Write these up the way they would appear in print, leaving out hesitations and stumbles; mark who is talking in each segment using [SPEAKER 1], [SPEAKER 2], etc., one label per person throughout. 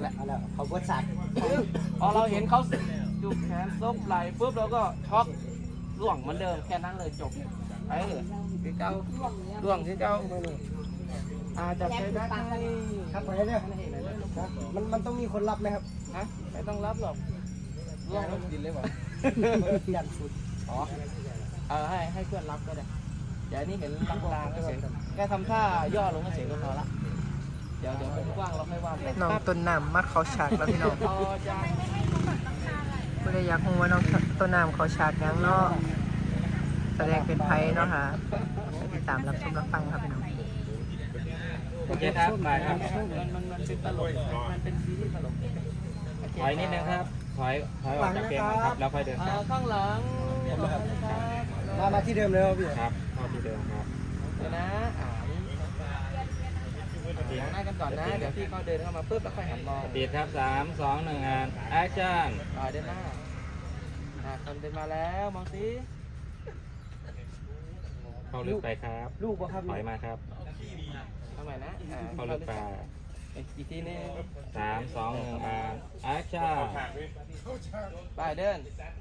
[SPEAKER 1] แล้วเขาบดสัตว์
[SPEAKER 2] พอเราเห็นเขาจุกแขนซบไหล่ปุ๊บเราก็ช็อกล่วงเหมือนเดิมแค่นั้นเลยจบที่เจ้าล่วงที่เจ้าจับใจได้
[SPEAKER 1] ครับไปเนี่ยมันต้องมีคนรับไหมครับ
[SPEAKER 2] ฮะไม่ต้องรับหรอกล่วงดินเลยว่ะ
[SPEAKER 1] ยันสุด
[SPEAKER 2] ให้เพื่อนรับก็ได้เดี๋ยวนี้เห็นลางๆก็เฉยแค่ทำท่าย่อลงก็เฉยก็พอละเดี๋ยวผมกว้างเราไม่ว่า
[SPEAKER 3] น้องต้นน้ำมักเขาฉากแล้วพี่น้องไม่ได้อยากรู้ว่าน้องต้นน้ำเขาฉากยังเนาะแสดงเป็นไพ่เนาะค่ะติดตามรับชมรับฟังครับพี่น้อง
[SPEAKER 2] โอเคครับไปครับมันเป็นตลกมันเป็นซีรีส์ตลกถอยนิดนึงครับถอยออกจากเกมครับแล้วค่อยเดินข้างหลัง
[SPEAKER 1] มาที่เดิมเลยพี่
[SPEAKER 2] ครับเข้าที่เดิมครับเดี๋ยวนะมองหน้ากันก่อนนะเดี๋ยวพี่เขาเดินเข้ามาปุ๊บแล้วค่อยหันมองติดครับ3 2 1แอคชั่นเดินหน้าคนเดินมาแล้วมองสิเข้าลึกไปครับ
[SPEAKER 1] ลูกบ่ครับ
[SPEAKER 2] ถอยมาครับเข้าใหม่นะเข้าลึกไปอีกทีนึง3 2 1แอคชั่นไปเดิน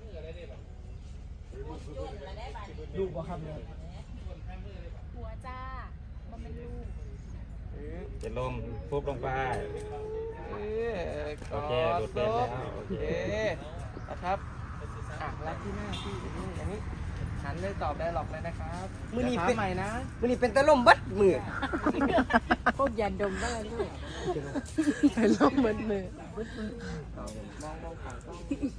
[SPEAKER 1] ลูกบ่ครับเนี่ย
[SPEAKER 4] หัวจ้ามันเป็นลูก
[SPEAKER 2] จะลงปุ๊บลงไปโอเคหลุดเป็นแล้วโอเคนะครับรับที่หน้าที่อย่างนี้หันเลยตอบได้หรอกเลยนะครับ
[SPEAKER 1] มือนี้เป็น
[SPEAKER 2] ใหม่นะ
[SPEAKER 1] มือนี้เป็นตะล่มบัดมือ
[SPEAKER 4] พวกยันดมได้ลูก
[SPEAKER 3] เป็นลมเหมือนมือ
[SPEAKER 2] มองผ่านกล้อง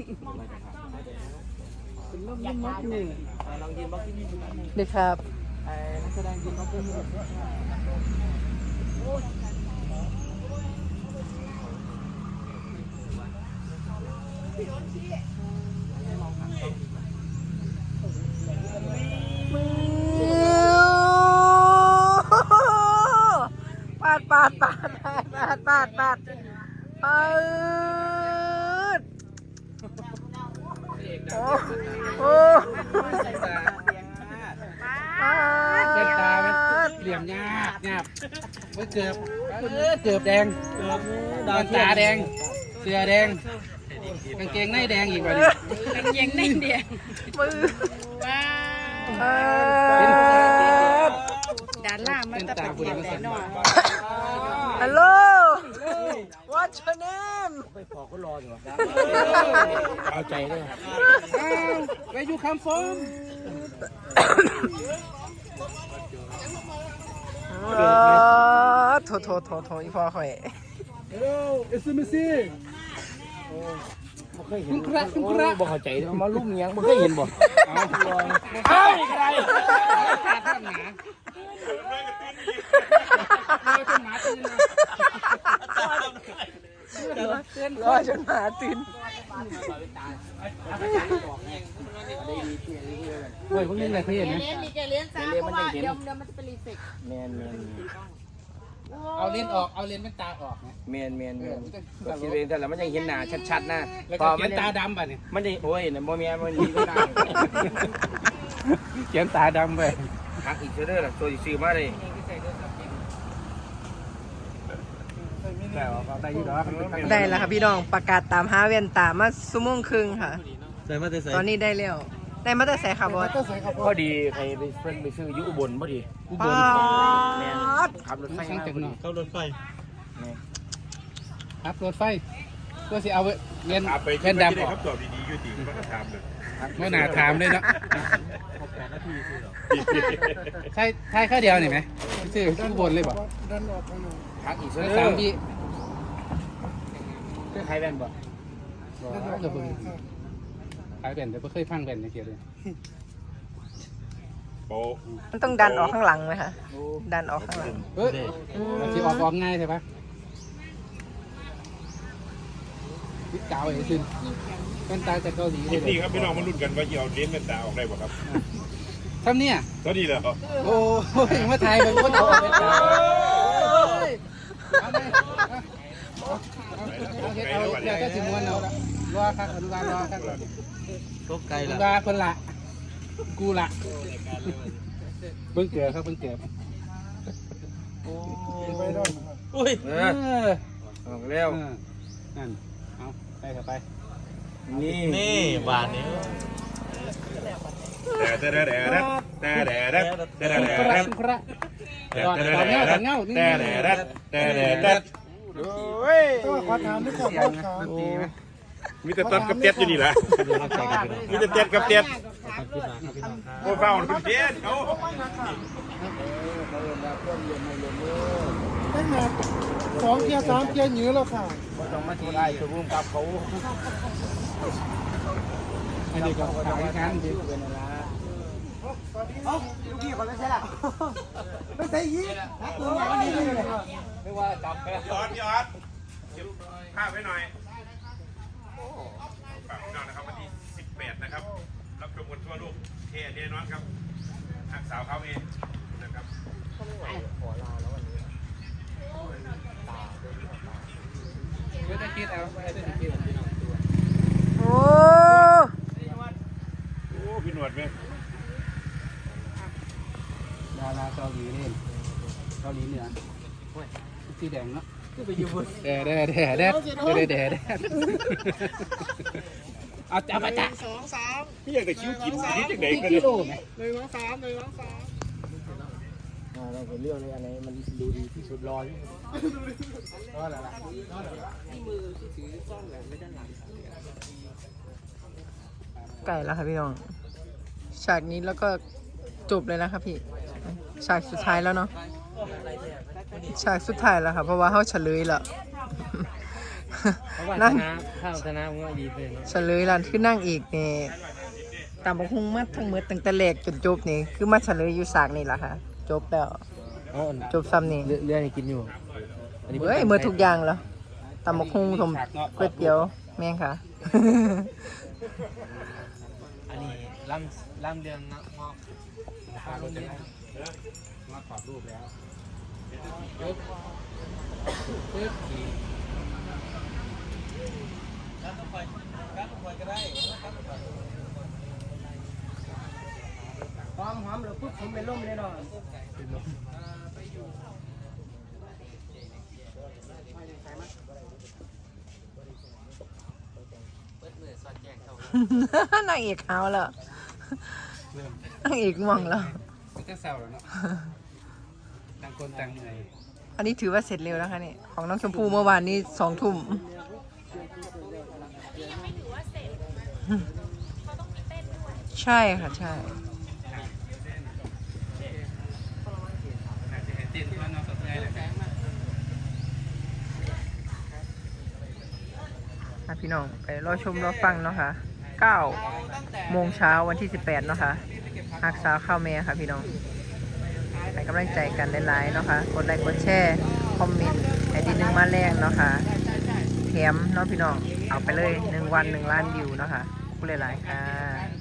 [SPEAKER 1] เป็นล่มยันมัดมือ
[SPEAKER 2] ลองยืนบล็อกที่นี่ดูนะ
[SPEAKER 3] ดีครับ
[SPEAKER 2] นักแสดงยืนบล็อกที่นี่
[SPEAKER 3] ปาดโอ้
[SPEAKER 2] เส้นตาเหลี่ยมหยาบไม่เกือบแดงดอนตาแดงเสื้อแดงกางเกงในแดงอีกว่าดิ
[SPEAKER 4] กางเกงในแดง
[SPEAKER 3] มือ
[SPEAKER 4] ด้านล่างมันจะเป็นแดงหน่อย
[SPEAKER 3] Hello What's your name
[SPEAKER 1] ไปพอก็รออยู่
[SPEAKER 2] เอาใจด้วยWhere you come from
[SPEAKER 3] โถอีพ่อข่อย
[SPEAKER 1] Hello SMC บ่เคยเห็นบ่เข้าใจมาลุ่มยังบ่เคยเห็นบ่
[SPEAKER 2] เอาอะไรขาดท่านหนา
[SPEAKER 3] รอจนหมาตื่น
[SPEAKER 2] เฮ้ยพวกนี้อะไรเพื่อนนะ
[SPEAKER 4] เลี้ยนจ้าเพราะว่าเดี๋ยวมันจะเป็นรีเฟก
[SPEAKER 1] แมน
[SPEAKER 2] เอาเลนออกเอาเลนเป็นตาออกนะ
[SPEAKER 1] แมนคิดเองแต่ละมันยังเห็นหน้าชัดๆนะ
[SPEAKER 2] พอมันตาดำป่ะเนี่ย
[SPEAKER 1] มันจะโอ้ยเนี่ยบ่แม่นมันมีก็ได้
[SPEAKER 2] เขียนตาดำไป
[SPEAKER 1] หักอีกเด้อล่ะตัวซื้อมาเลย
[SPEAKER 3] ได้แล้วค่ะพี่น้องประกาศตามหาเวียนตามาชั่วโมงครึ่งค่ะตอนนี้ได้แล้วได้มาแต่ใส่ค่ะบอส
[SPEAKER 1] พอดีใครไปเพิ่นไปซื้ออยู่อุบลพอดี
[SPEAKER 3] อุบล
[SPEAKER 1] แม่ขับรถไฟ
[SPEAKER 2] เข้ารถไฟครับรถไฟก็สิเอาเงินเงินดำออก
[SPEAKER 5] ครับตอบดีๆอยู่ดีมันก็ถามเลย
[SPEAKER 2] ไม่น่าถามเลยเนาะใช่แค่เดียวนี่ไหมซื้ออุบลเลยบ่
[SPEAKER 1] หักอีก
[SPEAKER 2] 3 ปี
[SPEAKER 1] ใครแว่นบ่
[SPEAKER 2] ขายแบนแต่ไม่เคยฟังแบนในเกียร์เลย
[SPEAKER 3] มันต้องดันออกข้างหลังไหมคะดันออกข้างหลัง
[SPEAKER 2] ที่ออกง่ายใช่ปะวิกาวไอ้ซินเป็นตาจากเกาหลี
[SPEAKER 5] เลยนี่ครับพี่น้องมาลุ้นกันว่าจะเอาเลนส์เป็นตาออกได้ป่ะครับ
[SPEAKER 2] ทำเนี่ย
[SPEAKER 5] ก็ดีแล้ว
[SPEAKER 2] โอ้ยมาถ่ายเป็นคนเอาเป็นตาเอาเดี๋ยวก็สิม้วนเอารอครับอนุบาลรอครับ
[SPEAKER 1] ตกไกลละ
[SPEAKER 2] อนุบาลคนละกูละเพิ่งเกิดครับเพิ่งเกิด
[SPEAKER 1] โอ้ยออกแล้ว
[SPEAKER 6] นั่นเอาไปเถอะไป
[SPEAKER 2] นี่บานนี้
[SPEAKER 5] แต่แต่แต่แต่แต่แต่แต่แต่แต่
[SPEAKER 6] คุณพระตอนเงาตอนเงานี่
[SPEAKER 5] แต่โอ้ย
[SPEAKER 1] ขอถามด้วยก่อนครับ
[SPEAKER 5] มีแต่ต้นกับเต็ดอยู่นี่แหละมีแต่เต็ดกับเต็ดโอ้เฝ้าเต็ดเขา
[SPEAKER 1] ตั้งแต่2 เกียร์ 3 เกียร์หยือแล้วค่ะ
[SPEAKER 2] ต้องมาทีได้คือร่วมกับเขา
[SPEAKER 6] อันนี้ก็ขายกันดิ
[SPEAKER 1] เอ้าลูกพี่คนไม่ใช่ล่ะไม่ใช่ยี่ตัวใหญ่นี่เลย
[SPEAKER 2] ไม่ว่าจับแค่
[SPEAKER 5] ยอดเก็บภาพไว้หน่อยฝากพี่น้องนะครับวันที่18นะครับรับชมกันทั่วโลกเท่แน่นอนครับหักสาวเขาเองนะครับ
[SPEAKER 6] เดี๋ยวจะคิดเอาเดี๋ยวจะคิด
[SPEAKER 3] โอ้
[SPEAKER 5] โอ้พี่หนวดไหม
[SPEAKER 6] ดาราเกาหลีเล่นเกาหลีเหนือสีแดงเนาะแด่เอาจับมาจ้ะ
[SPEAKER 5] พี่อยากจะคิ้วกินนิดจังไหนกัน
[SPEAKER 6] กิ
[SPEAKER 5] เนี่ย
[SPEAKER 6] โลไหม
[SPEAKER 1] เราเป็นเรื่องเลยอันไหนมันดูดีที่สุดรอที่รออะไรล่ะ
[SPEAKER 3] ไก่แล้วค่ะพี่น้องฉากนี้แล้วก็จบเลยนะครับพี่ฉากสุดท้ายแล้วเนาะฉากสุดท้ายแล้วค่ะเพราะว่าเขาเฉลยแล้ว นั่ง
[SPEAKER 6] ข้าวชนะมันก็ดีเลย
[SPEAKER 3] เฉลยแล้วคือนั่งอีกนี่ตามบักฮุงมาทั้งหมดตั้งแต่แรกจนจบนี่คือมาเฉลยอยู่ฉากนี่แหละค่ะจบแล้วจบซ้ำนี่
[SPEAKER 6] เรื่องให้กินอยู่
[SPEAKER 3] เฮ้ยเมื่อทุกอย่างแล้วตำบักฮุงสมก๋วยเตี๋ยวแม่งค่ะ
[SPEAKER 2] อันนี้ล่ำเดือนนะมอบ
[SPEAKER 6] มาขอรูปแล้ว
[SPEAKER 1] หอมเลยปุ๊บผมเป็นลมเลยเนาะ
[SPEAKER 3] นางเอกเอาแล้วนางเอกมองแล้ว
[SPEAKER 6] มันก็แซวแล้วเนาะต่างคนต่างเหนื่อย
[SPEAKER 3] อันนี้ถือว่าเสร็จเร็วแล้วค่ะนี่ของน้องชมพู่เมื่อวานนี้2 ทุ่ม
[SPEAKER 4] ไม่ถือว่าเสร็จเขาต้องมีเต้นด้วย
[SPEAKER 3] ใช่ค่ะใช่
[SPEAKER 6] อาจจะเห็นติดว่าน้องสดใจแหละ
[SPEAKER 3] พี่น้องไปรอชมรอฟังเนาะค่ะ9 โมงเช้าวันที่18เนาะค่ะหักษาข้าวแม่ค่ะพี่น้องให้กำลังใจกันหลายๆเนาะค่ะกดไลค์กดแชร์คอมเมนต์ให้ดีนึงมาแรงเนาะค่ะแถมเนาะพี่น้องเอาไปเลย1 วัน 1 ล้านวิวเนาะค่ะขอบคุณหลายๆค่ะ